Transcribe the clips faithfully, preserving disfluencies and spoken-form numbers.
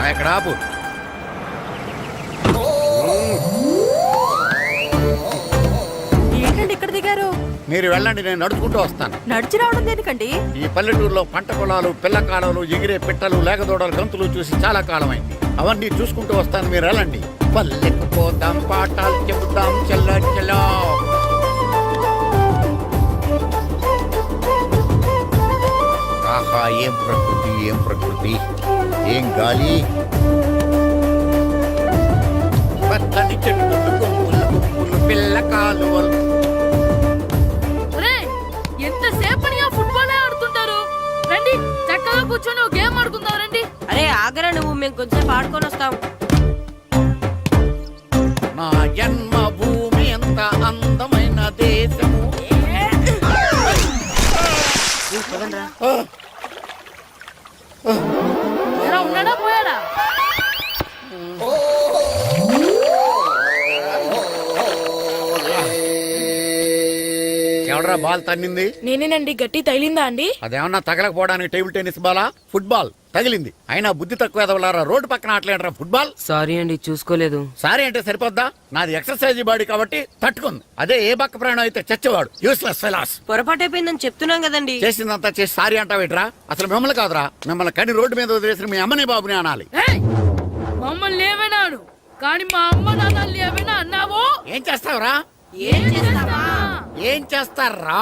ఇక్కడ ఆపు. ఏంటండి ఇక్కడ దిగారు? మీరు వెళ్ళండి, నేను నడుచుకుంటూ వస్తాను. నడిచి రావడం దేనికండి? ఈ పల్లెటూరులో పంట పొలాలు, పిల్ల కాలాలు, ఎగిరే పిట్టలు, లేకదోడలు, గంతులు చూసి చాలా కాలమైంది. అవన్నీ చూసుకుంటూ వస్తాను, మీరు వెళ్ళండి. పల్లెకు పోదాం, పాఠాలు చెబుతాం, చెల్ల చెల్లో. ఆహా, ఏం ప్రకృతి, ఏం ప్రకృతి, ఏం గాలి. పచ్చని చెట్లు, కొమ్ములు, కొమ్ములు, పిల్ల కాలువలు. ఎంతసేపని ఫుట్బాల్ ఆడుతుంటారు? రండి, చక్కగా కూర్చొని ఒక గేమ్ ఆడుకుందాం రండి. అరే ఆగరా నువ్వు, మేము కొంచెంసేపు ఆడుకొని వస్తాం. నా జన్మ భూమి ఎంత అందమైన దేశము. ఎలా ఉన్నాడా పోయాడా? ఎవడరా బాల్ తన్నింది? నేనేనండి. గట్టి తగిలిందా అండి? అదేమన్నా తగలకపోవడానికి టేబుల్ టెన్నిస్ బాలా, ఫుట్బాల్ తగిలింది. అయినా బుద్ధి తక్కువ ఎదవలారా, రోడ్డు పక్కన ఆటలేడరా ఫుట్బాల్. సారీ అండి, చూసుకోలేదు. సారీ అంటే సరిపోద్దా? నాది ఎక్సర్సైజ్ బాడీ కాబట్టి తట్టుకుంది. అదే ఏ బక్క ప్రాణం అయితే చచ్చేవాడు. Useless fellas. పొరపాటు అయిపోయిందని చెప్తున్నాం కదండి. చేసిందంతా చేసి సారీ అంటావేట్రా? అసలు మిమ్మల్ని కాదురా, మిమ్మల్ని కని రోడ్డు మీద వదిలేసిన మీ అమ్మని బాబుని అనాలి. మమ్మల్ని ఏమైనాడు కానీ మా అమ్మ నాన్నల్ని ఏమైనా అన్నావో? ఏం చేస్తావురా? ఏం చేస్తావా? ఏం చేస్తారా?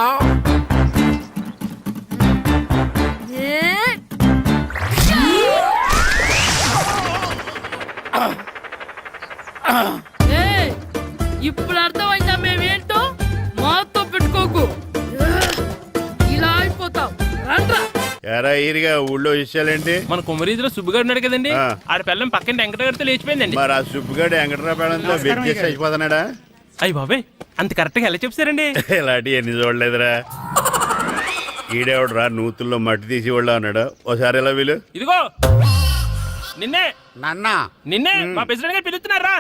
ఇప్పుడు అర్థమైందా మేమేంటో? మాతో పెట్టుకోకు, ఇలా అయిపోతావు. రండ్రా. ఎరా ఈరిగా ఊళ్ళో విషయాలేంటి? మన కుమరీధిలో సుబ్బుగాడు ఉన్నాడు కదండి, ఆడ పిల్లం పక్కన వెంకటగారితో లేచిపోయిందండి. మరి ఆ సుబ్బుగాడు వెంకటరాపేడంతో వెయిట్ చేసి అయిపోతున్నాడా? అయ్యి బాబాయ్, అంత కరెక్ట్ గా ఎలా చెప్తారండి? ఇలాంటి ఎన్ని చూడలేదురా. ఈడేవడరా నూతుల్లో మట్టి తీసి వాళ్ళు అన్నాడు. ఓసారి ఎలా వీలు? ఇదిగో నిన్నే నాన్న. నిన్నే మా ప్రెసిడెంట్ గారు పిలుస్తున్నారా?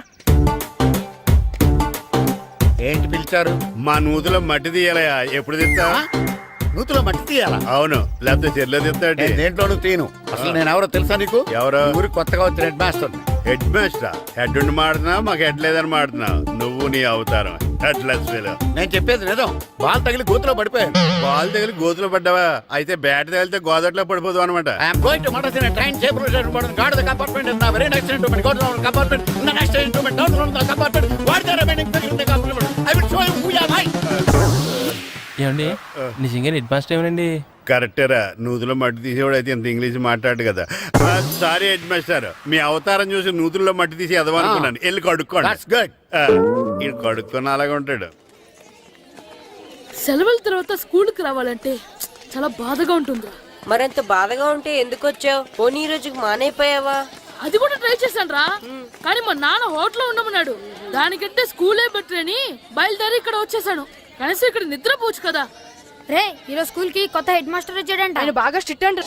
ఏంటి పిలిచారు? మా నూతులో మట్టి తీయాలయా. ఎప్పుడు తీస్తా? నూతులో మట్టి తీయాలా? అవును, లేకపోతే చెర్లో తీస్తాడు. దేంట్లోనూ తీను. అసలు నేను ఎవరో తెలుసా నీకు? ఎవరో? ఊరికి కొత్తగా వచ్చిన head master. Head master? Head ఉండి మాడుతున్నావు, మాకు హెడ్ లేదని మాడుతున్నావు. నువ్వు నీ అవతారం హెడ్లెస్ ఫెలో. నేను చెప్పేది నిజం. బాల్ తగిలి గోతులో పడిపోయాను. బాల్ తగిలి గోతులో పడ్డావా? అయితే బ్యాట్ తగిలితే గోదట్లో పడిపోదు అనమాట. I'm going to murders in a train shape road guard the compartment in the very next instrument go to the compartment in the next instrument down to the compartment what the remaining thing in the compartment I will show you who you are. My ఏమండి నిజంగా head master ఏమనండి? కరెక్టేరా, నూతులో మట్టి తీసేవాడు అయితే ఇంత English మాట్లాడు కదా. Sorry head master, మీ అవతారం చూసి నూతుల్లో మట్టి తీసి ఎదవనుకున్నాను. వెళ్ళి కడుక్కోండి. ఈడు కడుక్కొని అలాగే ఉంటాడు. సెలవుల తర్వాత స్కూల్ కి రావాలంటే చాలా బాధగా ఉంటుంది. మరంత బాధగా ఉంటే ఎందుకు వచ్చావు? పోనీ ఈ రోజుకి మానైపోయావా? అది కూడా ట్రై చేశాను రా, కానీ మా నాన్న హోటల్లో ఉండమన్నాడు. దానికంటే స్కూలే బెటర్ అని బయలుదేరి ఇక్కడ వచ్చేసాను. కనీసం ఇక్కడ నిద్రపోవచ్చు కదా. రే, ఈరోజు స్కూల్ కి కొత్త హెడ్ మాస్టర్ వచ్చాడంట. ఆయన బాగా స్ట్రిక్ట్ అంట.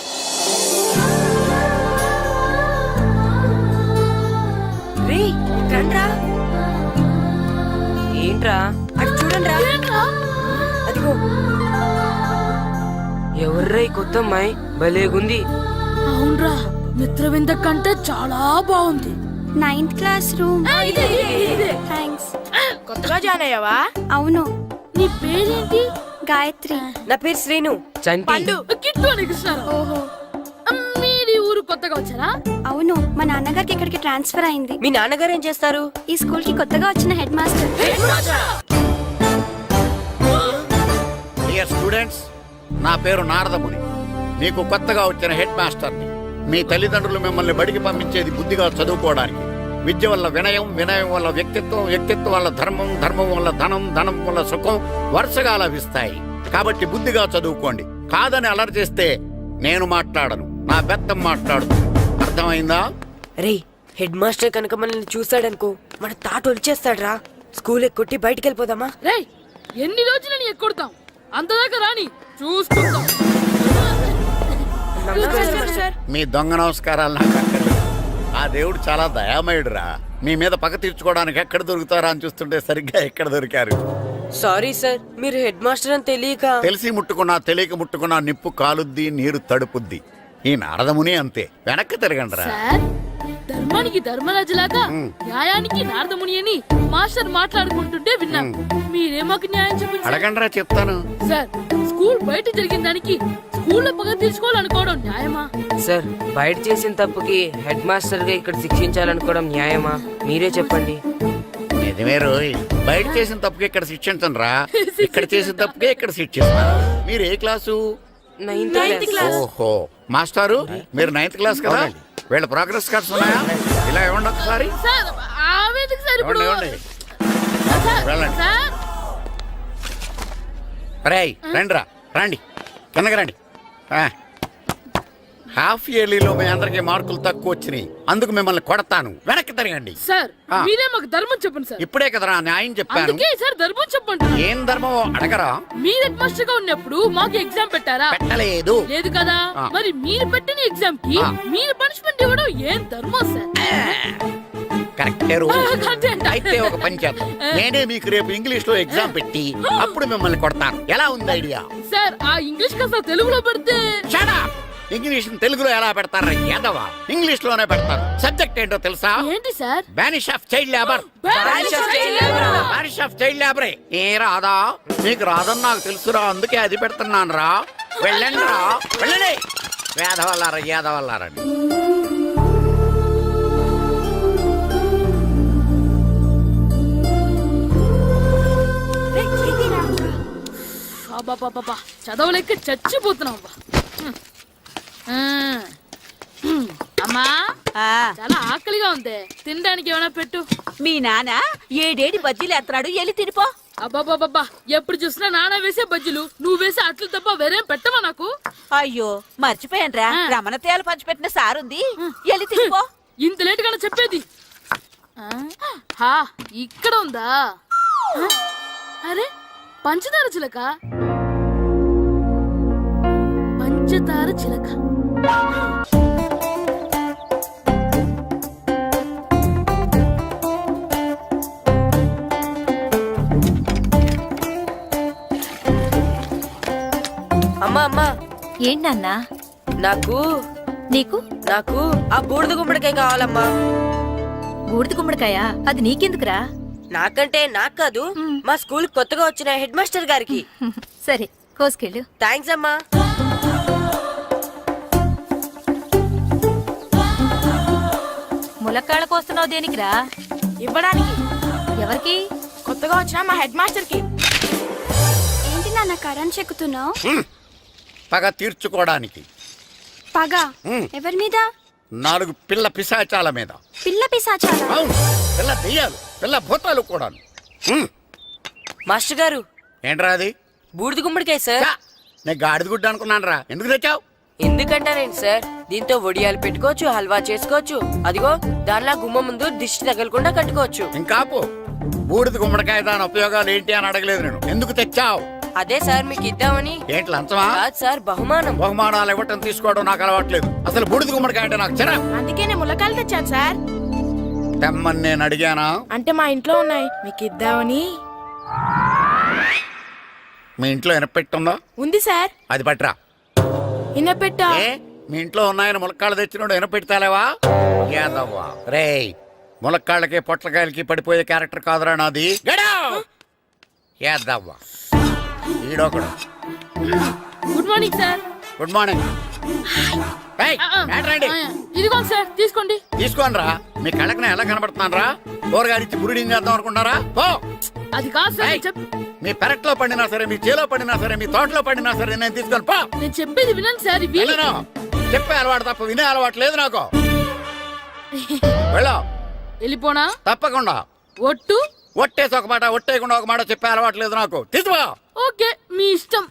రే రండ్రా. ఏంట్రా అటు చూడండి రా. అదిగో ఎవర్రా ఈ కొత్త అమ్మాయి? భలేగుంది. అవునరా, మిత్రవింద కంటే చాలా బాగుంది. Ninth class room. థ్యాంక్స్. కొత్తగా జాయిన్ అయ్యావా? అవును. నీ పేరేంటి? గాయత్రి. నా పేరు శ్రీను. పండు. కిట్టు అని కృష్ణారావు. ఓహో. మీరు ఊరు కొత్తగా వచ్చారా? అవును, మా నాన్నగారికి ఇక్కడికి ట్రాన్స్ఫర్ అయింది. మీ నాన్నగారు ఏం చేస్తారు? ఈ స్కూల్ కి కొత్తగా వచ్చిన హెడ్ మాస్టర్. డియర్ స్టూడెంట్స్, నా పేరు నారదముని. మీకు కొత్తగా వచ్చిన హెడ్ మాస్టర్ని. మీ తల్లిదండ్రులు మిమ్మల్ని బడికి పంపించేది బుద్ధిగా చదువుకోవడానికి. విద్య వల్ల వినయం, వినయం వల్ల వ్యక్తిత్వం, వ్యక్తిత్వం వల్ల ధర్మం, ధర్మం వల్ల ధనం, ధనం వల్ల సుఖం వరుసగా లభిస్తాయి. కాబట్టి బుద్ధిగా చదువుకోండి. కాదని అలర్ చేస్తే నేను మాట్లాడను, నా బెత్తం మాట్లాడు. అర్థమైందా? రే, హెడ్ మాస్టర్ కనుక మనల్ని చూసాడనుకో మన తాట వచ్చేస్తాడ్రా. స్కూల్ ఎక్కొట్టి బయటికి వెళ్ళిపోదామా? రే, ఎన్ని రోజులు నీ ఎక్కొడతాం? అంతదాకా రాని చూసుకుందాం. మీ దొంగ నమస్కారాలు నాకు అక్కర్లేదు. ఆ దేవుడు చాలా దయామయుడురా. మీ మీద పగ తీర్చుకోవడానికి ఎక్కడ దొరుకుతారా అని చూస్తుంటే సరిగ్గా ఎక్కడ దొరికారు. సారీ సార్, మీరు హెడ్ మాస్టర్ అని తెలియక. తెలిసి ముట్టుకున్నా తెలియక ముట్టుకున్నా నిప్పు కాలుద్ది, నీరు తడుపుద్ది. ఈ నారదముని అంతే. వెనక్కి తిరగండిరా. సార్, ధర్మానికి ధర్మరాజులాగా న్యాయానికి నారదముని అని మాస్టర్ మాట్లాడుకుంటుంటే విన్నాం. మీరే మాకు న్యాయం చెప్పండి సార్. అడగండిరా చెప్తాను. సార్ స్కూల్ బయట జరిగిన దానికి స్కూల్లో పగ తీర్చుకోవాలనుకోవడం న్యాయమా? సార్ బయట చేసిన తప్పుకి హెడ్ మాస్టర్ గా ఇక్కడ శిక్షించాలనుకోవడం న్యాయమా? మీరే చెప్పండి. నిజమే రోయ్, బయట చేసిన తప్పుకి ఇక్కడ శిక్షించను రా, ఇక్కడ చేసిన తప్పుకే ఇక్కడ శిక్షిస్తాను. మీరు ఏ క్లాసు? Ninth class. ఓహో మాస్టారు, మీరు నైన్త్ క్లాస్ కదా? వీళ్ళ ప్రోగ్రెస్ కార్డ్స్ ఉన్నాయా? ఇలా ఇవ్వండి ఒకసారి. సార్ ఆవేదకు సార్ ఇప్పుడు ఇవ్వండి, ఇవ్వండి. సార్, వెళ్ళండి. సార్ రేయ్ రండి రా, రండి కిందకి రండి. ఆ. హాఫ్ ఇయర్లీలో మీ అందరికి మార్కులు తక్కువ వచ్చినాయి, అందుకు మిమ్మల్ని కొడతాను. వెనక్కి తిరగండి. సార్ ఆ. మీరే మాకు ధర్మం చెప్పండి సార్. ఇప్పుడే కదరా న్యాయం చెప్పాను. అందుకే సార్ ధర్మం చెప్పండి. ఏం ధర్మం అడగరా? మీరు హెడ్ మాస్టర్ గా ఉన్నప్పుడు మాకు ఎగ్జామ్ పెట్టారా? పెట్టలేదు. లేదు కదా. ఆ. మరి మీరు పెట్టిన ఎగ్జామ్ కి ఆ. మీరు పనిష్మెంట్ ఇవ్వడం ఏం ధర్మం సార్? కరెక్టే రూల్. ఆ, కరెక్టే అంట. అయితే ఒక పని చేద్దాం, నేనే మీకు రేపు ఇంగ్లీష్ లో ఎగ్జామ్ పెట్టి అప్పుడు మిమ్మల్ని కొడతాను. ఎలా ఉంది ఐడియా? సార్ ఆ ఇంగ్లీష్ కాస్త తెలుగులో పెడితే. Shut up! ఇంగ్లీష్ తెలుగులో ఎలా పెడతారా యాదవా? ఇంగ్లీష్ లోనే పెడతారు. సబ్జెక్ట్ ఏంటో తెలుసా? ఏంటి sir? Banish of child labour. Banish of child labor. Banish of child labour. ఏ రాదా? నీకు రాదని నాకు తెలుసురా, అందుకే అది పెడుతున్నాను రా. వెళ్ళండి రా, వెళ్ళండి. వేదవల్లారా యాదవల్లారండి. అబ్బబ్బబ్బబ్బా, చదవలేక చచ్చిపోతున్నాం అబ్బా. హ్మ్. ఆ. హ్మ్. అమ్మా ఆ చాలా ఆకలిగా ఉంది, తినడానికి ఏమైనా పెట్టు. మీ నాన్న ఏడేడి బజ్జీలు ఎత్తాడు, ఎల్లి తినిపో. అబ్బాబాబ్బా, ఎప్పుడు చూసినా నాన్న వేసే బజ్జీలు, నువ్వు వేసే అట్లు తప్ప వేరేం పెట్టవా నాకు? అయ్యో మర్చిపోయానురా, ఆ. రమణ తేలు పంచిపెట్టిన సారుంది, ఎల్లి తినిపో. ఇంత లేట్ గా చెప్పేది. ఆ? హా, ఇక్కడ ఉందా? ఆ? అరే పంచదార చిలక, పంచదార చిలక. అమ్మా అమ్మా, ఏంటన్నా? నాకు నీకు నాకు ఆ బూడిద గుమ్మడికాయ కావాలమ్మా. బూడిద గుమ్మడికాయ? అది నీకెందుకురా? నాకంటే నాకు కాదు, మా స్కూల్ కొత్తగా వచ్చిన హెడ్ మాస్టర్ గారికి. సరే కోసుకెళ్ళు. థ్యాంక్స్ అమ్మా. ములక్కాళ్ళ కోస్తున్నావు దేనికిరా? ఇవ్వడానికి. ఎవరికి? కొత్తగా వచ్చిన మా హెడ్ మాస్టర్ కి. ఏంటి నాన్న కరెంట్ చెక్కుతున్నావు? పగ తీర్చుకోవడానికి. పగ హ్మ్. ఎవరి మీద? నాలుగు పిల్ల పిశాచాల మీద. పిల్ల పిశాచాలా? అవును, పిల్ల దెయ్యాలు, పిల్ల భూతాలు కూడా. మాస్టర్ గారు, ఏంట్రా అది? బూడిద గుమ్మడికాయ సార్. ఛా, నేను గాడిద గుడ్డ అనుకున్నాను రా. ఎందుకు తెచ్చావు? ఎందుకంటారేంటి సార్, దీంతో వడియాలు పెట్టుకోవచ్చు, హల్వా చేసుకోవచ్చు. అదిగో దానిలా గుమ్మ ముందు దిష్టి తగలకుండా కట్టుకోవచ్చు. ఇంకాపు, బూడిద గుమ్మడికాయ దాని ఉపయోగాలు ఏంటి అని అడగలేదు నేను. ఎందుకు తెచ్చావు? అదే సార్ మీకు ఇద్దామని. ఏంటి లంచమా? కాదు సార్, బహుమానం. బహుమానాలు ఇవ్వటం తీసుకోవడం నాకు అలవాట్లేదు. అసలు బూడిద గుమ్మడికాయ అంటే నాకు చిరా. అందుకే నేను ములకాయలు తెచ్చాను సార్. తెమ్మని నేను అడిగానా? అంటే మా ఇంట్లో ఉన్నాయి, మీకు ఇద్దామని. మీ ఇంట్లో ఎనపెట్టుందా? ఉంది సార్. అది పట్రా. ఇన్నపెట్టా. ఏ మీ ఇంట్లో ఉన్నాయని ములక్కాళ్ళు తెచ్చినోడు ఎనపెడతాలేవా? యాదవ్వా రేయ్, ములక్కాళ్ళకి పొట్లకాయలకి పడిపోయే క్యారెక్టర్ కాదురా నాది. యాదవ్వా ఈడొకడు. Good morning sir. Good morning. ఏయ్, ఏంట్రాండి? ఇదిగోండి సార్, తీసుకోండి. తీసుకోనరా, మీ కళ్ళకి నేను ఎలా కనబడుతున్నాను రా? కూరగాయలిచ్చి బురిడింగ్ చేద్దాం అనుకుంటారా? ఓ అది కాదు సార్, ఏయ్, నేను చెప్- మీ పెరట్లో పండినా సరే, మీ చేలో పండినా సరే, మీ తోటలో పండినా సరే నేను తీసుకొని పో. నేను చెప్పేది వినండి సార్. ఇవి వెళ్ళను. చెప్పే అలవాటు తప్ప వినే అలవాటు లేదు నాకు. వెళ్ళా వెళ్ళిపోనా? తప్పకుండా. ఒట్టు. ఒట్టేసి ఒక మాట, ఒట్టేయకుండా ఒక మాట చెప్పే అలవాటు లేదు నాకు. తీసుకో. ఓకే, మీ ఇష్టం.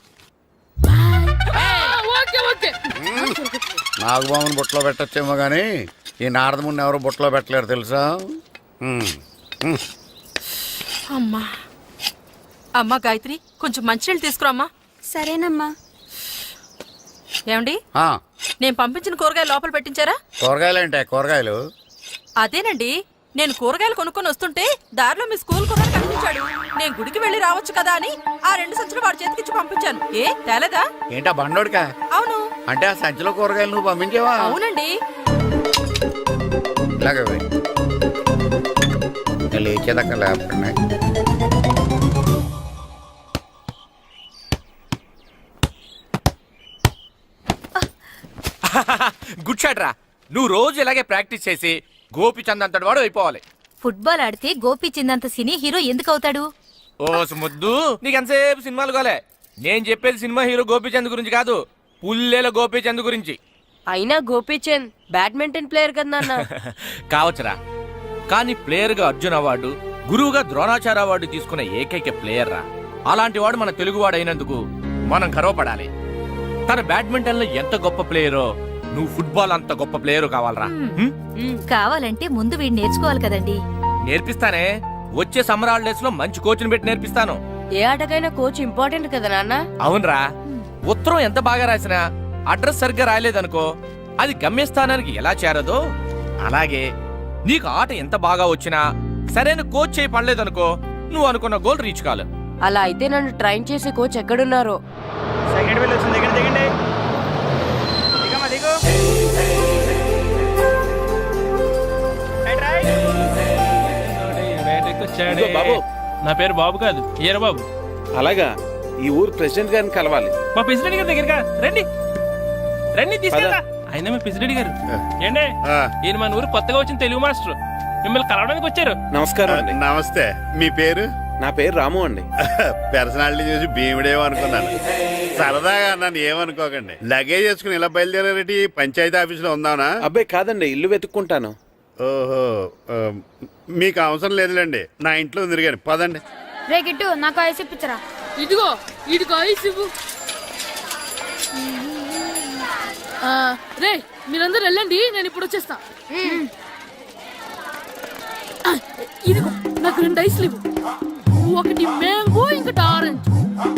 ఆ, ఓకే ఓకే. నాగబాబుని బుట్టలో పెట్టచ్చేమో గానీ ఈ నారదముని ఎవరు బుట్టలో పెట్టలేరు తెలుసా? ఉమ్, ఉమ్. అమ్మా అమ్మా గాయత్రి, కొంచెం మంచినీళ్ళు తీసుకురామ్మా. సరేనమ్మా. ఏమండి, ఆ, నేను పంపించిన కూరగాయలు లోపల పెట్టించారా? కూరగాయలు అంటే కూరగాయలు? అదేనండి, నేను కూరగాయలు కొనుక్కొని వస్తుంటే దారిలో మీ స్కూల్ కుర్రాడు కనిపించాడు. నేను గుడికి వెళ్ళి రావచ్చు కదా అని ఆ రెండు సంచులు వాడి చేతికిచ్చి పంపించాను. ఏ తేలేదా? ఏంటా బండోడికా? అవును. అంటే ఆ సంచిలో కూరగాయలు నువ్వు పంపించావా? అవునండి. ఇలాగే వెయ్. నేను లేచేదాకా లేపండి. గుడ్ షాట్ రా. నువ్వు రోజు ఇలాగే ప్రాక్టీస్ చేసి గోపిచంద్ అంతటి వాడు అయిపోవాలి. ఫుట్బాల్ ఆడితే గోపిచిందంత సినీ హీరో ఎందుకు అవుతాడు? ఓ ముద్దు, నీకు ఎంతసేపు సినిమాలు కాలే. నేను చెప్పేది సినిమా హీరో గోపిచంద్ గురించి కాదు, పుల్లేల గోపిచంద్ గురించి. అయినా గోపీచంద్ బ్యాడ్మింటన్ ప్లేయర్ కదా నాన్న. కావచ్చురా, కానీ ప్లేయర్ గా అర్జున్ అవార్డు, గురువుగా ద్రోణాచార్య అవార్డు తీసుకున్న ఏకైక ప్లేయర్ రా. అలాంటి వాడు మన తెలుగువాడు అయినందుకు మనం గర్వపడాలి. తన బ్యాడ్మింటన్ లో ఎంత గొప్ప ప్లేయరో నువ్వు ఫుట్బాల్ అంత గొప్ప ప్లేయరు కావాలరా. హ్మ్? కావాలంటే ముందు వీడు నేర్చుకోవాలి కదండి. నేర్పిస్తానే. వచ్చే సమ్మర్ హాలిడేస్ లో మంచి కోచ్ని పెట్టి నేర్పిస్తాను. ఏ ఆటకైనా కోచ్ ఇంపార్టెంట్ కదా నాన్న. అవునరా, ఉత్తరం ఎంత బాగా రాసినా అడ్రస్ సరిగ్గా రాయలేదనుకో అది గమ్యస్థానానికి ఎలా చేరదో అలాగే నీకు ఆట ఎంత బాగా వచ్చినా సరైన కోచ్ చేయి పడలేదనుకో నువ్వు అనుకున్న గోల్ రీచ్ కాదు. అలా అయితే నన్ను ట్రైన్ చేసే కోచ్ ఎక్కడున్నారో. సెకండ్ బిల్ వచ్చింది, దిగండి దిగండి. దిగమ్మా, దిగు. Right, right. ఇదిగో బాబు. నా పేరు బాబు కాదు, ఈర బాబు. అలాగా, ఈ ఊరు ప్రెసిడెంట్ గారిని కలవాలి. మా ప్రెసిడెంట్ గారి దగ్గరగా రండి రండి తీసుకెళ్తా. ఆయన మీ ప్రెసిడెంట్ గారు ఏండే, ఆ, ఈయన మన ఊరు కొత్తగా వచ్చిన తెలుగు మాస్టర్, మిమ్మల్ని కలవడానికి వచ్చారు. నమస్కారం అండి. నమస్తే. మీ పేరు? నా పేరు రాము అండి. పర్సనాలిటీ చూసి భీముడేమో అనుకున్నాను. సరదాగా అన్నాను, ఏమనుకోకండి. లగేజ్ చేసుకుని ఇలా బయలుదేరేటి పంచాయతీ ఆఫీసులో ఉందానా? అబ్బాయి కాదండి, ఇల్లు వెతుక్కుంటాను. ఓహో, ఆ, మీకు అవసరం లేదులేండి, నా ఇంట్లో తిరిగాను. పదండి. రే గిట్టు నాకు ఐస్ ఇప్పించరా. ఇదిగో ఇదిగో ఐస్ ఇవ్వు. ఆ, రే మీరందరూ వెళ్ళండి, నేను ఇప్పుడు వచ్చేస్తా. ఆ, ఇదిగో నాకు రెండు ఐస్లు ఇవ్వు. ఒకటి మ్యాంగో, ఇంకటి ఆరెంజ్.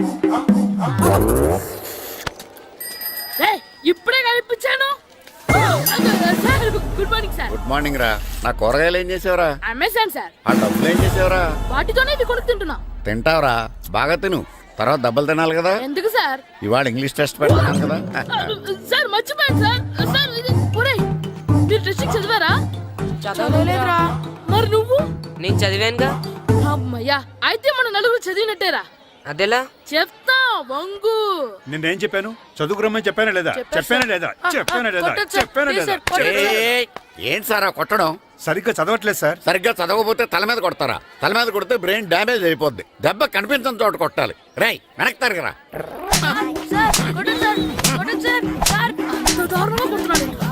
రే ఇప్పుడే కనిపించాను. Sir good morning sir. Good morning రా. నా కూరగాయలు ఏం చేసావురా? Amazon sir. ఆ డబ్బులు ఏం చేసావురా? వాటితోనే ఇవి కొనుక్కు తింటున్నా. తింటావురా, బాగా తిను. తర్వాత దెబ్బలు తినాలి కదా. ఎందుకు సార్? ఇవాళ ఇంగ్లీష్ టెస్ట్ పెడతాను కదా. సార్ మర్చిపోయాను సార్. సార్ ఇది ఒరేయ్, మీరు టెస్టింగ్ చదివారా? చదవలేదురా. మరి నువ్వు? నేను చదివానుగా. అమ్మయ్యా, అయితే మన నలుగురు చదివినట్టేరా. అదెలా? చెప్తా వంగు. నేనేం చెప్పాను? చదువుకురమ్మని చెప్పానా లేదా? చెప్పానా లేదా? చెప్పానా లేదా? కొట్టొచ్చు సార్. చెప్పానా ప్లీజ్ లేదా? సార్, కొట్టొచ్చు. ఏయ్, ఏంటి సార్ ఆ కొట్టడం? సరిగ్గా చదవట్లేదు సార్. సరిగ్గా చదవకపోతే తల మీద కొడతారా? తల మీద కొడితే బ్రెయిన్ డ్యామేజ్ అయిపోద్ది. దెబ్బ కనిపించని చోట కొట్టాలి. రేయ్ వెనక్కి తరగరా. సార్, కొట్టొచ్చు సార్, కొట్టొచ్చు సార్. సార్, అంత దారుణంగా కొడుతున్నాడు ఏంట్రా?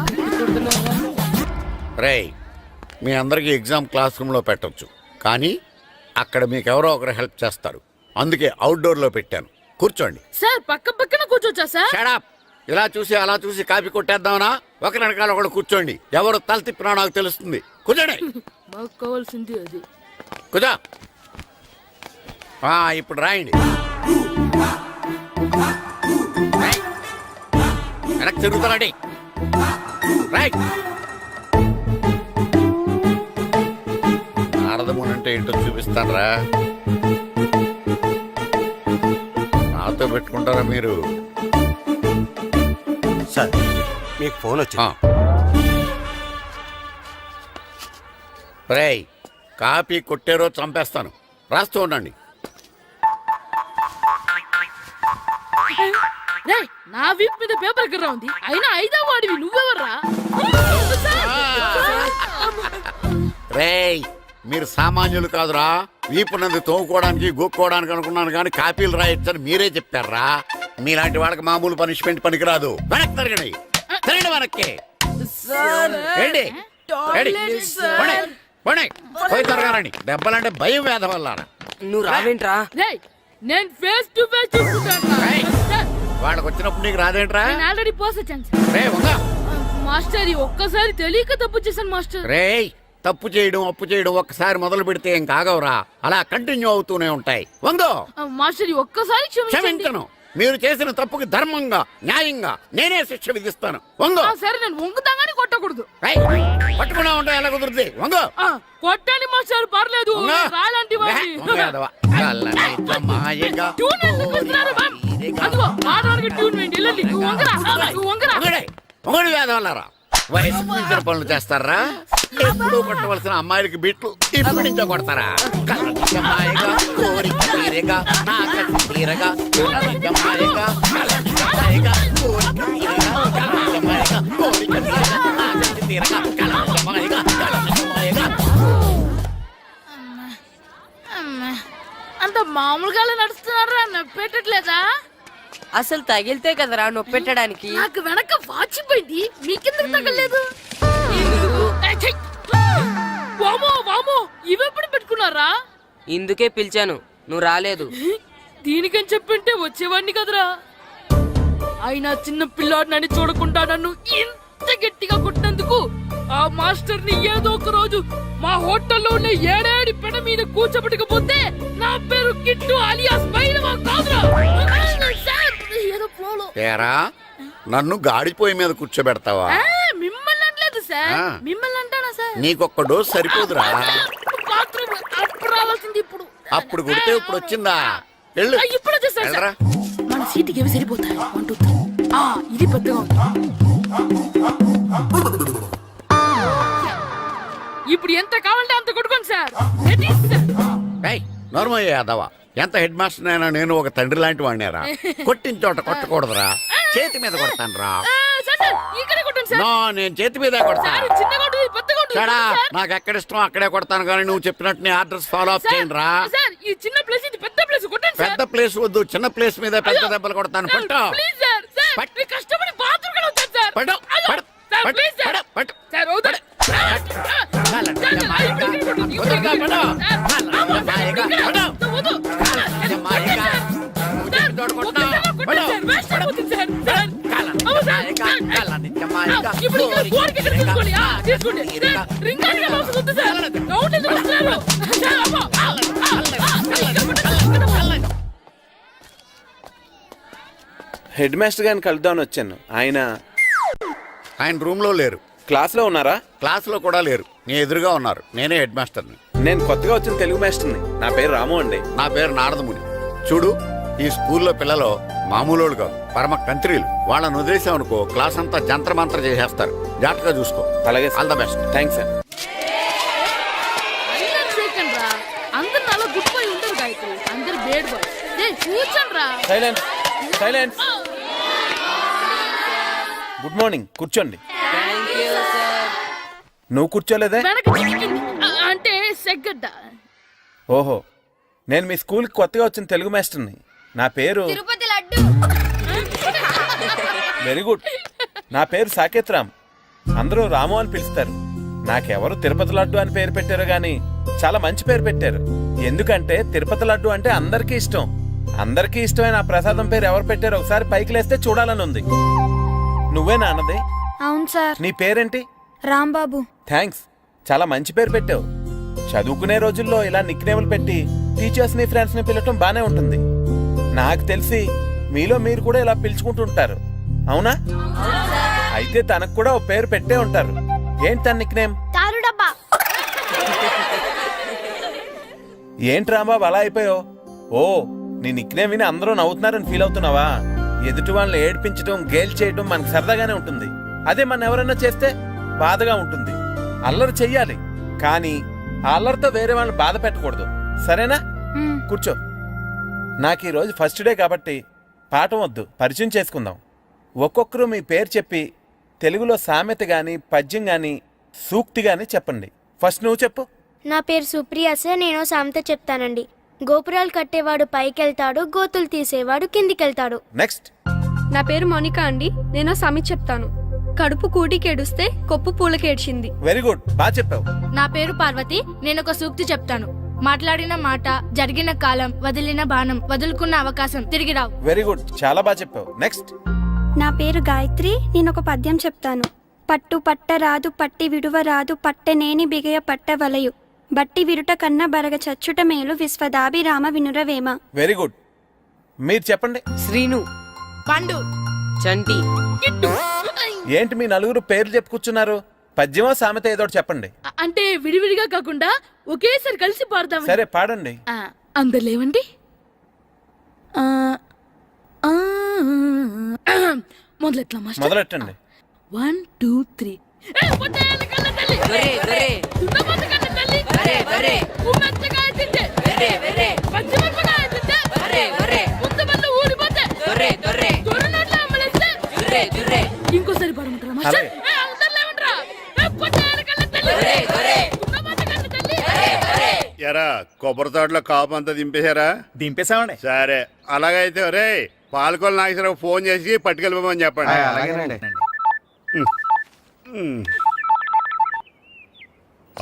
రేయ్, మీ అందరికీ ఎగ్జామ్ క్లాస్ రూమ్లో పెట్టొచ్చు, కానీ అక్కడ మీకు ఎవరో ఒకరు హెల్ప్ చేస్తారు. అందుకే అవుట్డోర్లో పెట్టాను. కూర్చోండి. సార్ పక్క పక్కన కూర్చోచ్చా సార్? షడప్. ఇలా చూసి అలా చూసి కాపీ కొట్టేద్దామనా? ఒకరి వెనకాల ఒకడు కూర్చోండి. ఎవరు తల తిప్పినా నాకు తెలుస్తుంది. కూర్చోండి. మాకు కావాల్సింది అది. కూర్చో. ఆ, ఇప్పుడు రాయండి. రాయ్. వెనక్కి తిరుగుతారండి. రైట్. నారదముని అంటే ఏంటో చూపిస్తానరా. నాతో పెట్టుకుంటారా మీరు? సార్, మీకు ఫోన్ వచ్చింది. రేయ్, కాపీ కొట్టారో చంపేస్తాను. రాస్తూ ఉండండి. రేయ్, నా వీప్ మీద పేపర్ ఎక్కడ ఉంది? అయినా ఐదో వాడివి నువ్వెవర్రా? రేయ్, మీరు సామాన్యులు కాదురా. వీపున్నది తోముకోవడానికి గోక్కోవడానికి అనుకున్నాను, కానీ కాపీలు రాయొచ్చని మీరే చెప్పారా. మీలాంటి వాళ్ళకి మామూలు పనిష్మెంట్ పనికిరాదు. వెనక్కి తిరగండి. తిరగండి వెనక్కి. ఏంటి? ఏంటి? పోనీ, పోనీ. పోయి తిరగారండి. దెబ్బలంటే భయం వేద వల్ల. నువ్వు రావేంట్రా? రేయ్, నేను ఫేస్ టు ఫేస్ చూసుకుంటాను. వాళ్ళకి వచ్చినప్పుడు నీకు రాదేంట్రా? నేను ఆల్రెడీ పోస్ వచ్చాను సార్. రే వంగ. మాస్టర్, ఈ ఒక్కసారి తెలియక తప్పు చేశాను మాస్టర్. రేయ్, తప్పు చేయడం అప్పు చేయడం ఒక్కసారి మొదలు పెడితే ఏం కాగవరా. అలా కంటిన్యూ అవుతూనే ఉంటాయి. వందో. మాస్టర్, ఈ ఒక్కసారి క్షమించండి. క్షమించను. మీరు చేసిన తప్పుకి ధర్మంగా న్యాయంగా నేనే శిక్ష విధిస్తాను. వంగో. ఆ, సరే, నేను వంగుతాగానే కొట్టకూడదు. రేయ్, పట్టుకున్నా ఉంటా ఎలా కుదురుతుంది? వంగో. ఆ, కొట్టండి మాస్టర్, పర్లేదు. వంగో. రాలాంటి వాడిని. వంగ యాదవ. కళ్ళనీట మాయగా ట్యూన్ ఎందుకు ఇస్తున్నారు, మ్యామ్? అదిగో ఆడవానికి ట్యూన్ వేయండి. వెళ్ళండి. నువ్వు వంగరా, నువ్వు వంగరా. వంగడే. వంగడి వేదవల్లారా. వయసు మించిన పనులు చేస్తారా? ఎప్పుడూ కొట్టవలసిన అమ్మాయిలకి బీట్లు ఇప్పుడు నుంచో కొడతారా? కలజమ్మాయిగా, కోరిక తీరగా, నా కసి తీరగా, కలజమ్మాయిగా, కలజమ్మాయిగా, కోరిక తీరగా, కలజమ్మాయిగా, కోరిక తీరగా, నా కసి తీరగా, కలజమ్మాయిగా, కలజమ్మాయిగా. అంత మామూలుగా నడుస్తున్నారా? నొప్పెట్టట్లేదా? అసలు తగిలితే కదరా నొప్పి పెట్టడానికి. నాకు వెనక వాచిపోయింది, మీకెందుకు తగలేదు? వామో వామో, ఇవెప్పుడు పెట్టుకున్నారా? ఇందుకే పిలిచాను, నువ్వు రాలేదు. దీనికని చెప్పింటే వచ్చేవాడిని కదరా. అయినా చిన్న పిల్లాడినని చూడకుండా నన్ను ఇంత గట్టిగా కొట్టినందుకు ఆ మాస్టర్ ని ఏదో ఒక రోజు మా హోటల్లో ఉన్న ఏడేడి పెడ మీద కూర్చోబెట్టకపోతే నా పేరు కిట్టు అలియాస్ బైరవా కాదురా. సార్, ఏదో ఫ్లోలో. తేరా నన్ను గాడిపోయి మీద కూర్చోబెడతావా? ఆ, మిమ్మల్ని అనలేదు సార్, ఆ. మిమ్మల్ని అంటానా సార్? నీకొక్క డోస్ సరిపోదురా? బాత్రూమ్ అప్పుడు రావాల్సింది ఇప్పుడు. అప్పుడు కొడితే ఇప్పుడు వచ్చిందా? వెళ్ళు. ఆ, ఇప్పుడు వచ్చేసారు వెళ్ళరా. సార్. మన సీటుకి ఏవి సరిపోతాయి? One two three. ఆ, ఇది పెద్దగా ఉంది. ఇప్పుడు ఎంత కావాలంటే అంత కొట్టుకోండి సార్. Ready sir. ఏయ్, నోర్మయ్య యాదవ, ఎంత హెడ్ మాస్టర్ అయినా నేను ఒక తండ్రి లాంటి వాడినేరా. కొట్టిన చోట కొట్టకూడదురా, చేతి మీద కొడతాను రా. ఆ, సార్, సార్, ఇక్కడే కొట్టండి సార్. నో, నేను చేతి మీదే కొడతా. సార్, ఇది చిన్నగా ఉంటుంది, ఇది పెద్దగా ఉంటుంది. చెడా, సార్. నాకు ఎక్కడ ఇష్టం అక్కడే కొడతాను, కానీ నువ్వు చెప్పినట్టు నీ ఆర్డర్స్ ఫాలో అప్ సార్, చేయండి రా. సార్, ఈ చిన్న ప్లేస్, ఇది పెద్ద ప్లేస్, కొట్టండి సార్. పెద్ద ప్లేస్ వద్దు, చిన్న ప్లేస్ మీద పెద్ద దెబ్బలు కొడతాను. సార్, పట్టు ప్లీజ్ సార్, సార్, పట్టు. మీరు కష్టపడి బాత్రూమ్ కూడా వచ్చారు సార్. పట్టు, అయ్యో, పట్టు, సార్, పట్టు, ప్లీజ్ సార్. పట్టు, పట్టు. సార్, వద్దు. సార్, సార్, సార్, ఇప్పుడు ఇక్కడ కొట్టండి, ఇప్పుడు ఇక్కడ కొట్టండి. సార్, అమ్మో, సార్, ఇక్కడ. వద్దు. సార్, జమాయిగా. సార్, ఒక్కసారి కొట్టండి సార్, వేస్ట్ అయిపోతుంది సార్. సార్, అమ్మో, సార్, సార్, ఆ, ఇప్పుడు ఇక్కడ గోడకి ఇక్కడ తీసుకోండి. ఆ, తీసుకోండి. సార్, రింగానికి ఎలా వస్తుంది? వద్దు సార్. రౌండ్ ఎందుకు వస్తున్నారు? సార్, అమ్మో, ఆ, ఆ, ఆ, ఇక్కడ కొట్టండి, ఇక్కడ కొట్టండి. హెడ్ మాస్టర్ గారిని కలుద్దామని వచ్చాను. ఆయన ఆయన రూమ్ లో లేరు, క్లాస్లో ఉన్నారా? క్లాస్ లో కూడా లేరు, నీ ఎదురుగా ఉన్నారు. నేనే హెడ్ మాస్టర్ని. నేను కొత్తగా వచ్చిన తెలుగు మాస్టర్ని. నా పేరు రాము అండి. నా పేరు నారదముని. చూడు, ఈ స్కూల్లో పిల్లలు మామూలు కాదు, పరమ కంత్రీలు. వాళ్ళని వదిలేసామనుకో క్లాస్ అంతా జంత్ర మంత్ర చేసేస్తారు. జాగ్రత్తగా చూసుకో. అలాగే all the best. Thanks sir. అందరు సెకండ్ రా, అందరు నాలో గుడ్ బాయ్ ఉండరు గాయత్రి, అందరు బేడ్ బాయ్. ఏ కూర్చోండి రా. Silence silence. గుడ్ మార్నింగ్, కూర్చోండి. నువ్వు కూర్చోలేదే? వెనక చిక్కింది. ఆ, అంటే సెగ్గడ్డ. ఓహో, నేను మీ స్కూల్కి కొత్తగా వచ్చిన తెలుగు మాస్టర్ని. నా పేరు తిరుపతి లడ్డు. Very good. నా పేరు సాకేత్ రామ్. అందరూ రాము అని పిలుస్తారు. నాకెవరు తిరుపతి లడ్డు అని పేరు పెట్టారు గాని చాలా మంచి పేరు పెట్టారు. ఎందుకంటే తిరుపతి లడ్డు అంటే అందరికీ ఇష్టం. అందరికీ ఇష్టమైన ఆ ప్రసాదం పేరు ఎవరు పెట్టారో ఒకసారి పైకి లేస్తే చూడాలని ఉంది. నువ్వేనా అన్నది? అవును సార్. నీ పేరేంటి? రాంబాబు. థ్యాంక్స్, చాలా మంచి పేరు పెట్టావు. చదువుకునే రోజుల్లో ఇలా నిక్నేములు పెట్టి టీచర్స్ ని ఫ్రెండ్స్ ని పిలవటం బానే ఉంటుంది. నాకు తెలిసి మీలో మీరు కూడా ఇలా పిలుచుకుంటుంటారు, అవునా? అయితే తనకు కూడా ఓ పేరు పెట్టే ఉంటారు. ఏంటి తన నిక్నేమ్? తారు డబ్బా. ఏంటి రాంబాబు అలా అయిపోయావు? ఓ, నీ నిక్నేమ్ విని అందరూ నవ్వుతున్నారని ఫీల్ అవుతున్నావా? ఎదుటి వాళ్ళని ఏడ్పించడం, గేల్ చేయడం మనకు సరదాగానే ఉంటుంది. అదే మన ఎవరన్నా చేస్తే బాధగా ఉంటుంది. అల్లరి చెయ్యాలి, కానీ ఆ అల్లరితో వేరే వాళ్ళని బాధ పెట్టకూడదు, సరేనా? కూర్చో. నాకు ఈరోజు ఫస్ట్ డే కాబట్టి పాఠం వద్దు, పరిచయం చేసుకుందాం. ఒక్కొక్కరు మీ పేరు చెప్పి తెలుగులో సామెత గాని, పద్యం గాని, సూక్తి గాని చెప్పండి. ఫస్ట్ నువ్వు చెప్పు. నా పేరు సుప్రియ సార్. నేను సామెత చెప్తానండి. గోపురాలు కట్టేవాడు పైకెళ్తాడు, గోతులు తీసేవాడు కిందికెళ్తాడు. నెక్స్ట్. నా పేరు మోనికా అండి. నేను సామెత చెప్తాను. కడుపు కూటికేడుస్తే కొప్పు పూలకేడ్చింది. వెరీ గుడ్, బాగా చెప్పావు. నా పేరు పార్వతి. నేను ఒక సూక్తి చెప్తాను. మాట్లాడిన మాట, జరిగిన కాలం, వదిలిన బాణం, వదులుకున్న అవకాశం తిరిగి రావు. వెరీ గుడ్, చాలా బాగా చెప్పావు. నెక్స్ట్. నా పేరు గాయత్రి. నేను ఒక పద్యం చెప్తాను. పట్టు పట్ట రాదు, పట్టి విడువ రాదు, పట్టనేని బిగయ పట్ట వలయు, బట్టి విరుట కన్న బరగ చచ్చుట మేలు, విశ్వదాభిరామ వినురవేమ. Very good. మీరు చెప్పండి. శ్రీను. పండు. చంటి. కిట్టు. ఏంటి మీ నలుగురు పేర్లు చెప్పుకూర్చున్నారు? పద్యమో సామెత ఏదో చెప్పండి. అ- అంటే విడివిడిగా కాకుండా ఒకేసారి కలిసి పాడతాం. సరే, పాడండి. అందరు లేవండి. ఆ, ఆ, మొదలెట్లా మాస్టర్? మొదలెట్టండి. One two three. ఏ, పొట్టేళ్ళ కళ్ళ తల్లి. దొరే దొరే దున్నపోతు కన్న తల్లి వరే వరే ఉమ్మెత్తకాయ తింటే వెరే వెరే పచ్చిమిరపకాయ తింటే వరే వరే ముద్దబంద ఊడిపోతే దొరే దొరే దొర నోట్లో అమ్మలేస్తే జుర్రే జుర్రే ఇంకోసారి పడమంటారా మాస్టర్ ఏ, అవతల లేవండ్రా. ఏ, పొట్టారు కన్న తల్లి దొరే దొరే దున్నపోతు కన్న తల్లి ఎరా కొబ్బరి తోటలో కాపు అంతా దింపేశారా? దింపేశామండి. సరే అలాగైతే రే పాలకొల నాగేశ్వరరావు ఫోన్ చేసి పట్టుకెళ్ళిపోమని చెప్పండి. అలాగేనండి. ఉమ్.